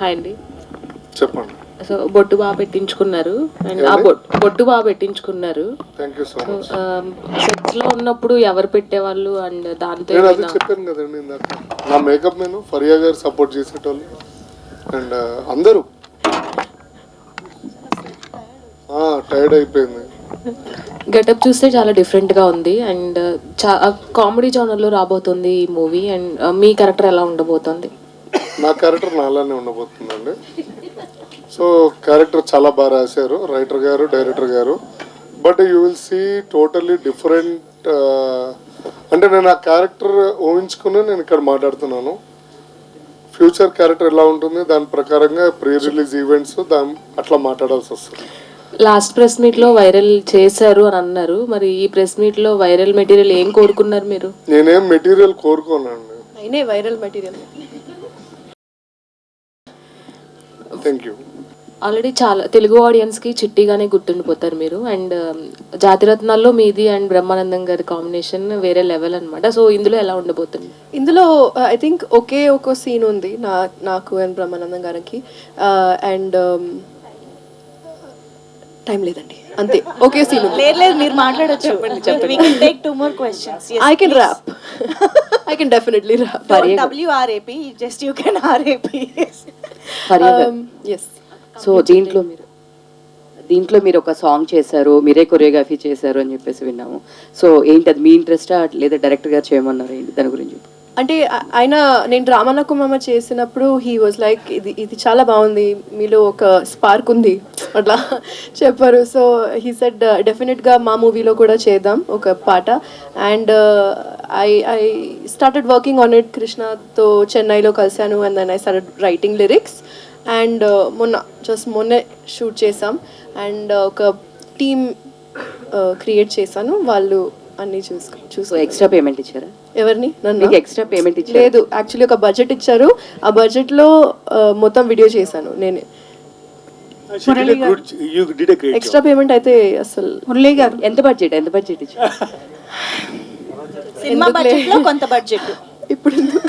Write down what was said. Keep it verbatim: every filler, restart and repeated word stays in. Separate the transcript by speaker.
Speaker 1: Hi అండి.
Speaker 2: చెప్పండి.
Speaker 1: So బొట్టు బాగా పెట్టించుకున్నారు అండ్ ఆ బొట్టు బాగా పెట్టించుకున్నారు.
Speaker 2: Thank you so much.
Speaker 1: Sets లో ఉన్నప్పుడు ఎవరు పెట్టేవాళ్ళు అండ్ దాంతో
Speaker 2: నేను అది చెప్పాను కదండి ఇందాక, నా మేకప్ నేను ఫరియా గారు సపోర్ట్ చేసేటోళ్ళు అండ్ అందరూ టైర్డ్ అయిపోయింది.
Speaker 1: గెటప్ చూస్తే చాలా డిఫరెంట్గా ఉంది అండ్ చా కామెడీ జోనర్లో రాబోతుంది ఈ మూవీ అండ్ మీ క్యారెక్టర్ ఎలా ఉండబోతుంది?
Speaker 2: నా క్యారెక్టర్ నాలానే ఉండబోతుందండి. సో క్యారెక్టర్ చాలా బాగా రాశారు రైటర్ గారు, డైరెక్టర్ గారు. But you will see totally different. అంటే నేను ఆ క్యారెక్టర్ ఊహించుకుని నేను ఇక్కడ మాట్లాడుతున్నాను. ఫ్యూచర్ క్యారెక్టర్ ఎలా ఉంటుంది దాని ప్రకారంగా ప్రీ రిలీజ్ ఈవెంట్స్ దాని అట్లా మాట్లాడాల్సి వస్తుంది.
Speaker 1: లాస్ట్ ప్రెస్ మీట్ లో వైరల్ చేశారు అని అన్నారు, మరి ఈ ప్రెస్ మీట్ లో వైరల్ మెటీరియల్ ఏం కోరుకున్నారు మీరు?
Speaker 2: నేనేం మెటీరియల్ కోరుకోనండి.
Speaker 3: అయినే viral material.
Speaker 2: Thank you.
Speaker 1: Already చాలా తెలుగు ఆడియన్స్ కి చిట్టిగానే గుర్తుండిపోతారు మీరు అండ్ జాతిరత్నాల్లో మీది అండ్ బ్రహ్మానందం గారి కాంబినేషన్ వేరే లెవెల్ అనమాట. సో ఇందులో ఎలా ఉండబోతుంది?
Speaker 3: ఇందులో ఐ థింక్ ఒకే ఒక సీన్ ఉంది నా నాకు అండ్ బ్రహ్మానందం గారికి అండ్ టైం లేదండి అంతే, ఒకే సీన్.
Speaker 4: లేదు లేదు మీరు మాట్లాడొచ్చు. We can take two more questions. Yes,
Speaker 3: I can
Speaker 4: please.
Speaker 3: rap. I can definitely rap.
Speaker 4: Don't W R A P, just you can R A P.
Speaker 3: Um, yes.
Speaker 5: So దీంట్లో మీరు దీంట్లో మీరు ఒక సాంగ్ చేశారు, మీరే కొరియోగ్రఫీ చేశారు అని చెప్పేసి విన్నాము. సో ఏంటి అది, మీ ఇంట్రెస్టా లేదా డైరెక్టర్ గారు చేయమన్నారు ఏంటి దాని గురించి?
Speaker 3: అంటే ఆయన నేను రామన్నకుమ్మ చేసినప్పుడు హీ వాజ్ లైక్ ఇది ఇది చాలా బాగుంది, మీలో ఒక స్పార్క్ ఉంది అట్లా చెప్పారు. సో హీ సెడ్ డెఫినెట్గా మా మూవీలో కూడా చేద్దాం ఒక పాట. And I I started working on it. కృష్ణతో చెన్నైలో కలిశాను and then I started writing lyrics and మొన్న జస్ట్ మొన్నే షూట్ చేసాం అండ్ ఒక టీమ్ క్రియేట్ చేశాను. వాళ్ళు అన్నీ చూసుకో చూసుకో
Speaker 5: ఎక్స్ట్రా పేమెంట్ ఇచ్చారా?
Speaker 3: ఎవరిని? నన్ను
Speaker 5: ఎక్స్ట్రా పేమెంట్ ఇచ్చారు?
Speaker 3: లేదు, యాక్చువల్లీ ఒక బడ్జెట్ ఇచ్చారు, ఆ బడ్జెట్లో మొత్తం వీడియో చేశాను నేనే. ఎక్స్ట్రా పేమెంట్ అయితే అసలు
Speaker 5: మురళి గారు ఎంత బడ్జెట్ ఎంత బడ్జెట్ ఇచ్చారు?
Speaker 4: సినిమా బడ్జెట్ లో కొంత బడ్జెట్
Speaker 3: ఇప్పుడు